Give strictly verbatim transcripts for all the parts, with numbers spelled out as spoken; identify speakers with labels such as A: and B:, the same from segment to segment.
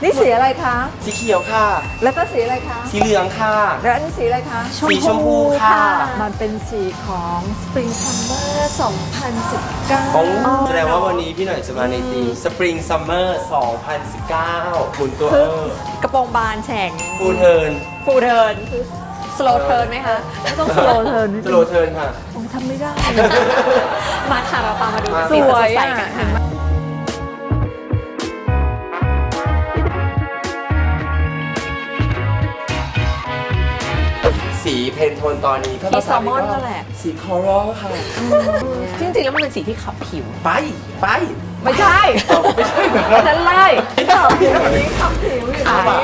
A: นี่สีอะไรคะ
B: สีเขียวค่ะ
A: แล้วก็สีอะไรคะ
B: สีเหลืองค่ะ
A: แล้วอันนี้สีอะไรคะ
B: สีชมพูค่ะ
A: มันเป็นสีของ Spring Summer สองพันสิบเก้า
B: อ๋อแสดงว่าวันนี้พี่หน่อยจะมาในทีม Spring Summer สองพันสิบเก้า คุณตัวเออก
C: ระโปรงบานแฉ่ง
B: ฟูลเทิร์น
C: ฟูเทิร์นสโลเทิร์นไหมคะ
A: ไม่ต้อง slow turn นิด
B: ส
A: นึ
B: โล
A: ง
B: เทิร์นค่ะ
A: ผมทำไม่ได้
C: มาค่ะเราตามมาดู
B: มา
C: สี
A: ส
C: ส
A: วย
C: ดใส
A: อ่ะ
C: กัน
A: เห็น
C: ค่ะ
A: ไหม
B: สีเพนโทนตอนนี้ถ้า
C: สี
B: ภา
C: แซ
B: ษา
C: ลมอน
B: ก็
C: นั่นแหละ
B: สีคอรัลค่ะ
C: จริงๆแล้วมันเป็นสีที่ขับผิว
B: ไป ไป
A: ไม่ใช่
B: ไม่ใช่เหรอ
A: อันนั้นไล่ขับผิวนี้ขับผิวอยู่
C: ขา
A: นะ
C: ย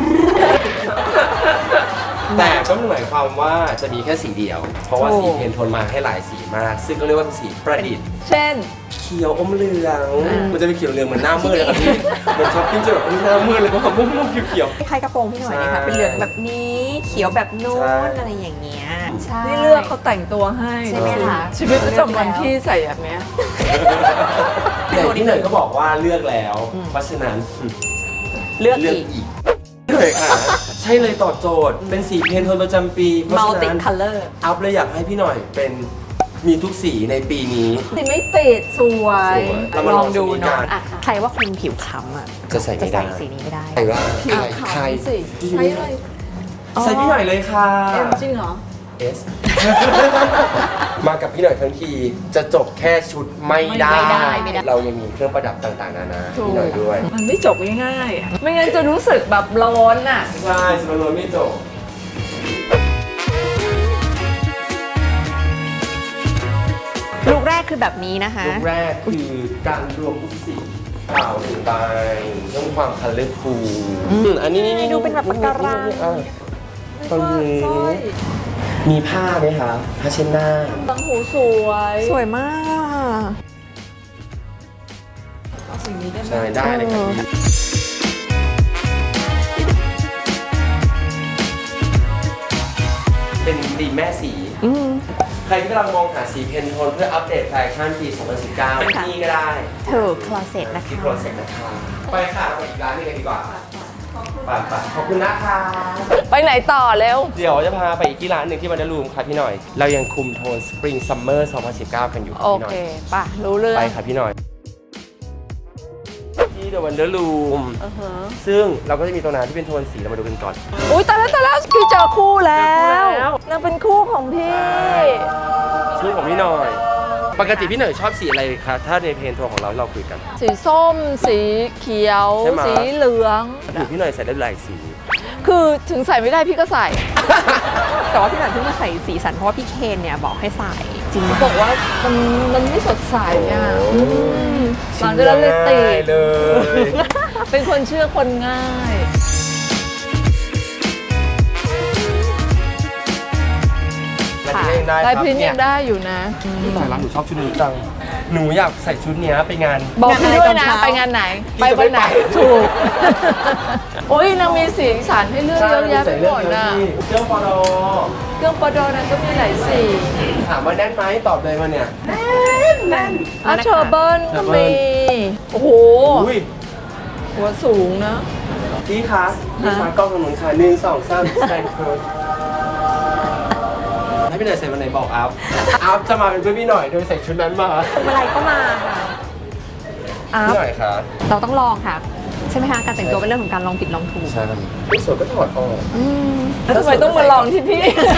B: แต่ก็ไม่หมายความว่าจะมีแค่สีเดียว เพราะว่าสีเพนโทนมาให้หลายสีมาก ซึ่งก็เรียกว่าเป็นสีประดิษฐ์
A: เช่น
B: เขียวอมเหลือง มันจะเป็นเขียวเหลืองเหมือนหน้ามืดเลยครับพี่เหมือนช้อปปิ้งจะแบบหน้ามืดเลยเพราะว่าม่วงๆเขียว
C: คล้ายกระโปรงพี่หน่อยนะคะ
B: ใช่
C: เป็นเหลืองแบบนี้เขียวแบบนู้
B: ใช่
C: นอะไรอย่างเงี้ยใช่
A: นี่เลือกเขาแต่งตัวให้
C: ใช่ไหมคะ
A: ชีวิตประจำวันที่ใส่แบบเนี้ย
B: ๆแต่ที่เหนื่อยก็บอกว่าเลือกแล้ว เพราะฉะนั้น
C: เลือก
B: เลือก
C: อีก
B: อีกเหนื่อยค่ะ ใช่เลยตอบโจทย์ เป็นสีเพนโทนประจำปี เพราะ
C: มัล
B: ฉะ
C: ติ
B: นั้น
C: คัลเลอร์
B: อัพเลยอยากให้พี่หน่อยเป็นมีทุกสีในปีนี้
A: สีไม่ติดสวย
B: สวยเรามาลองดูเนาะ
C: อ่ะใครว่าคุณผิวคล้ำอ่ะ
B: จะใส่
C: จะ
B: ไม่ได้
C: ใส่สีนี้ไม่ได้
B: ใครว่า
A: ผิว
B: ใคร
A: ขาว
B: ใคร
A: สิใช้เลย
B: ใส่พี่หน่อยเลยค่ะ
A: เอ็มจริงเหรอ
B: เอส มากับพี่หน่อยทั้งทีจะจบแค่ชุดไม่ได้
C: ไม่ได้ไม่ได้
B: เรายังมีเครื่องประดับต่างๆนานา
A: ถูก
B: พี่หน่อยด้วย
A: มันไม่จบง่ายๆ ไม่งั้นจะรู้สึกแบบร้อนอ่ะ
B: ใช่สโลว์ไม่จบ
C: ลูกแรกคือแบบนี้นะคะ
B: ลูกแรกคือการรวมทุกสีเปล่าหนึ่งใบเรื่องความคัลเลอร์ฟูลอันนี้นี่
C: ดูเป็นแบบปะการัง
B: อ่ะตรงนี้
A: สร้อย
B: มีผ้าไหมคะผ้าเช็ดหน้า
A: ตังหูสวย
C: สวยมาก
A: เอาสิ่งนี้ได้ไหม
B: ใช่ได้เลยครับพี่เป็นดีมแม่สี
C: อืม
B: ใครที่กำลังมองหาสีเพนโทนเพื่ออัปเดตแฟชั่นปี สองพันสิบเก้า
C: ค่ะ
B: ที่ก็ได้
C: ถูกคลอเซ็ตนะคะ
B: ที่โปรเซสนะคะไปค่ะไปอีกร้านหนึงกันดีกว่าไปไปขอบคุณนะคะ
A: ไปไหนต่อเร็ว
B: เดี๋ยวจะพาไปอีกที่ร้านหนึ่งที่วันเดอร์รูมค่ะพี่หน่อย เรายังคุมโทน Spring Summer สองพันสิบเก้า กันอยู่ค่ะ
A: โอ
B: พี่หน่
A: เค
B: อย
A: ป่ะ รู้เรื่อง
B: ไปค่ะพี่หน่อย ที่เดอะวันเดอร์รูม
A: อือฮะ
B: ซึ่งเราก็จะมีตัวนั้นที่เป็นโทนสีเรามาดูกันก่อน
A: อุ้ยตายแล้วตายแล้วพี่เจอคู่แล้ว
B: เจอคู่แล้ว
A: นางเป็นคู่ของพี่
B: ชื่อของพี่หน่อย ปกติพี่หน่อยชอบสีอะไรคะถ้าในเพนโทนของเราเราคุยกัน
A: สีส้ม สีเขียว
B: ใช่ไหม
A: สีเหลือง
B: อยู่พี่หน่อยใส่ได้หลายสี
A: คือถึงใส่ไม่ได้พี่ก็ใส่
C: แต่ว่าพี่หน่อยเพิ่งมาใส่สีสันเพราะว่าพี่เคนเนี่ยบอกให้ใส่จริง
A: บอกว่ามันมันไม่สดใสอ่ะ
B: โอ้
A: อืมหลังจากนั้นเลยติด
B: เลย
A: เป็นคนเชื่อคนง่าย
B: ลายพริ้นท์ยังได้
A: ลาย
B: ครับ
A: พริ้นท์
B: เนี่
A: ยังได้อยู่นะ
B: พี่หน่อยรักหนูชอบชุดนี้จัง หนูอยากใส่ชุดเนี้ยไปงาน
A: บอกพี่ด้วยนะ
C: งานอะไรตอนเช้า
A: ไปงานไหน
B: พี่จะ
A: ไปวันไหน
B: ไม่ไป
A: ถูก โอ้ยนางมีสีสันให้เลือกเยอะแยะไปหมดน่ะ
B: เครื่องปอดอ
A: เครื่องประดอนั้นก็มีหลายสี
B: ถามว่าแน่นไหมตอบเลยมาเนี่ย
A: อ่ะเชอร์เบิร์นก็มี โอ้โห
B: อุ้ย
A: หัวสูงนะ
B: พี่คะพี่คะกล้องถนนค่ะหนึ่งสองสามสแตนเคิร์ดให้พี่หน่อยใส่วันไหนบอกอัพ อัพจะมาเป็นเพื่อนพี่หน่อยโดยใส่ชุดนั้นมา
C: อะไรก็มาค่ะอ่ะ
B: พี่หน่อยคะ
C: เราต้องลองค่ะ ใช่ไหมคะ การแต่งตัวเป็นเรื่องของการลองผิดลองถูก
B: ใช่พี่สวยก็ถอดออก
C: อืม
A: แล้วทำไมต้องมาลองที่พี่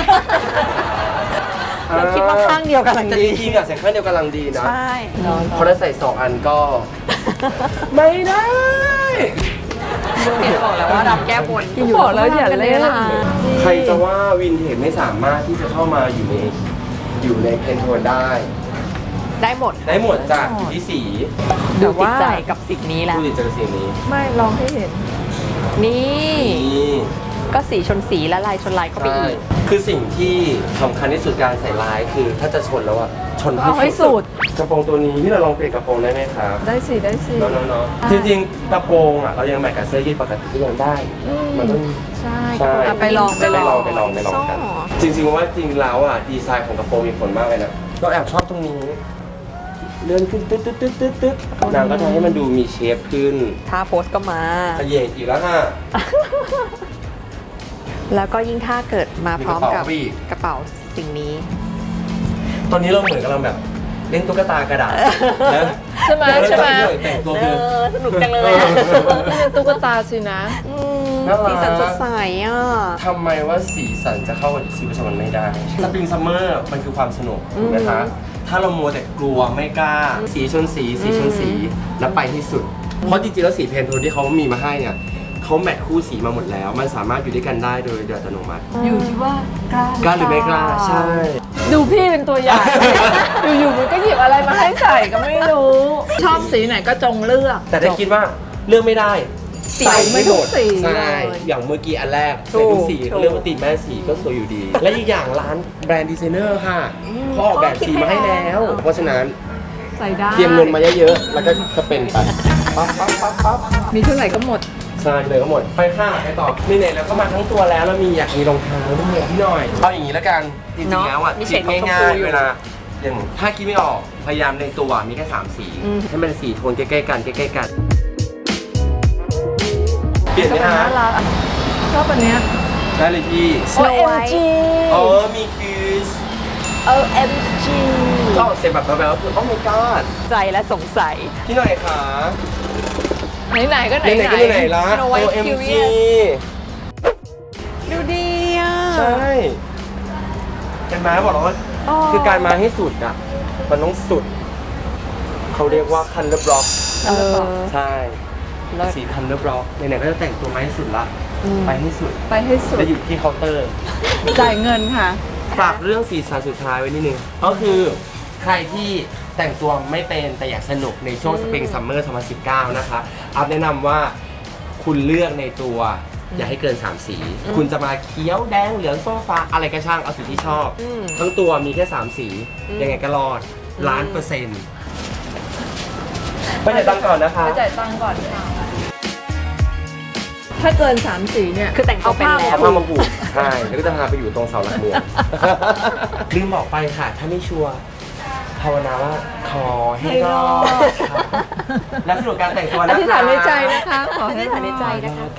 C: เราคิดว่าข้างเดียวกันลัง
B: แต่
C: ดี
B: จริงๆอะใส่ข้างเดียวกำลังดีนะ
C: ใช่
B: เพราะถ้าใส่สองอันก็ ไม่ได้
C: เพียนบอกแล้วว่ารับแก้บน
A: อยู่บอกแล้วอย่าเล่น
B: ใครจะว่าวินเทจไม่สามารถที่จะเข้ามาอยู่ในอยู่ในเพนโทนได้
C: ได้หมด
B: ได้หมดจากอยู่ที่สี
C: ดูติดใจกับสิ่งนี้แหละ
B: ดูดิเจอสีนี้
A: ไม่ลองให้เห็น
C: นี่
B: นี่
C: ก็สีชนสีและลายชนลายเข้าไป
B: ใช่
C: อีก
B: คือสิ่งที่สำคัญที่สุดการใส่ลายคือถ้าจะชนแล้วอะชน
A: เอาให้สุด
B: กระโปรงตัวนี้พี่เราลองเปลี่ยนกระโปรงได้ไหมครับ
A: ได้สิได้สิ
B: เนาะเนาะเนาะจริงๆกระโปรงอะเรายังแมทกับเสื้อยืดปกติก็ยังได้ มันต้อง
C: ใช่
B: ใช่
A: อ่ะไปลองไปลอง
B: ไปลองไปลองกัน จริงๆว่าจริงแล้วอ่ะดีไซน์ของกระโปรงมีผลมากเลยนะเราแอบชอบตรงนี้เลื่อนขึ้นตึ๊ดตึ๊ดตึ๊ดตึ๊ดตึ๊ดนางก็ทำให้มันดูมีเชฟขึ้น
C: ท่าโพสก็มา
B: ขยเยงอีกแล้วค่ะ
C: แล้วก็ยิ่งถ้าเกิดมาพร้อมกับ
B: มีกระเป๋าอีก
C: กระเป๋าสิ่งนี้
B: ตอนนี้เราเหมือนกำลังแบบเล่นตุ๊กตากระดาษนะ
A: ใช่ไหมใช่ไหม
B: แต่งตัว
C: เอ
B: คือ
C: อ สนุกจังเลยอะ
A: นี่เป็นตุ๊กตาสินะ
C: อืม
B: น่ารัก
C: สีสันสดใสอ่ะ
B: ทำไมว่าสีสันจะเข้ากับชีวิตประจำวันไม่ได้สปริงซัมเมอร์มันคือความสนุกถูกไหมคะ ถ้าเรามัวแต่กลัวไม่กล้า สีชนสี สีชนสี แล้วไปที่สุด เพราะจริงๆแล้วสีเพนโทนที่เขามีมาให้เนี่ยเขาแมทคู่สีมาหมดแล้ว มันสามารถอยู่ด้วยกันได้โดยโดยอัตโนมัติ
A: อยู่ที่ว่ากล้าก
B: ล้าหรือไม่กล้า ใช่
A: ดูพี่เป็นตัวอย่าง อยู่ๆมันก็หยิบอะไรมาให้ใส่ก็ไม่รู้ ชอบสีไหนก็จงเลือก
B: แต่ถ้าคิดว่าเลือกไม่ได้
A: ใส่ไม่ทุกสี
B: ใช่
A: เลย
B: อย่างเมื่อกี้อันแรกใส่ทุกสี
C: ถูก
B: เขาเรียกว่าติดแม่สีก็สวยอยู่ดี และอีกอย่างร้านแบรนด์ดีไซเนอร์ค่ะเขาออกแบบสีมาให้แล้ว เพราะฉะนั้น
A: ใส่ได้
B: เตรียมเงินมาเยอะๆ แล้วก็สเปนไป ปั๊บปั๊บปั๊บปั๊บ
A: มีเท่าไหร่ก็หมด
B: ใช่เลยก็หมด ไปค่ะไปต่อนี่ไหนแล้วก็มาทั้งตัวแล้วแล้วมีอยากมีรองเท้าด้วยพี่หน่อย เอาอย่างนี้แล้วกัน จริงๆแล้วอ่ะ
C: มีเฉ
B: คิ
C: ด
B: ด
C: ของชม
B: ง่า
C: พู
B: ย
C: อยู่
B: ๆเวลา อย่างถ้าคิดไม่ออก พยายามในตัวมีแค่สามสี
C: อืม
B: ให้มันสีโทนใกล้ๆกันใกล้ๆกัน เปลี่ยนไหม
A: ก็เป็น
B: ฮะ
A: น่ารักชอบอันเนี้ย
B: ได้เลยพี่
A: โอ
C: Snow
A: เอ็ม
C: White
A: จี
B: เออมีคิส
A: โอเอ็มจี
B: ก็เสียงแบบแบบๆคือ โอ้ my god
C: ใจและสงสัย
B: พี่หน่อยค่ะ
A: ไหนๆก็ไหน
B: ไหนๆก็ไหนๆละ
C: Snow White
B: โอ เอ็ม จี
C: Curious ดูดีอ่ะ
B: ใช่เห็นไหมบอกแล้วว่า
C: อ๋อ
B: คือการมาให้สุดอ่ะ มันต้องสุด เขาเรียกว่าคันเลอร์บล็อก
C: เออ
B: ใช่
C: เลิศ
B: สีคันเลอร์บล็อกไหนๆก็จะแต่งตัวมาให้สุดละ
C: อืม
B: ไปให้สุด
A: ไปให้สุด
B: จะอยู่ที่เคาน์เตอร์
A: จ่ายเงินค่ะ
B: ฝากเรื่องสีสันสุดท้ายไว้นิดนึง ก็คือใครที่แต่งตัวไม่เป็นแต่อยากสนุกในช่วงสปริงซัมเมอร์สองพันสิบเก้านะคะอัพแนะนำว่าคุณเลือกในตัว อย่าให้เกิน สาม สี คุณจะมาเขียวแดงเหลืองส้มฟ้าอะไรก็ช่างเอาสีที่ชอบ
C: อืม
B: ทั้งตัวมีแค่ สาม สี
C: อืม
B: ยังไงก็รอดล้านเปอร์เซ็นต์ไปจ่ายตังค์ก่อนนะคะ
A: ไปจ่ายตังค์ก่อนค่ะถ้าเกินสามสีเนี่ย
C: คือแต่งตัวเป็นแล้ว
B: เอาผ้ามาผูกใช่ แล้วก็จะพาไปอยู่ตรงเสาหลักเมือง ลืมบอกไปค่ะ ถ้าไม่ชัวร์ภาวนาว่าขอให้รอดค่ะและสรุปการแต่งตัว
A: อ
B: นะคะ
A: ธิษฐานในใจนะคะ ขอ
C: อ
A: ให้
C: ธิษฐานในใจนะคะ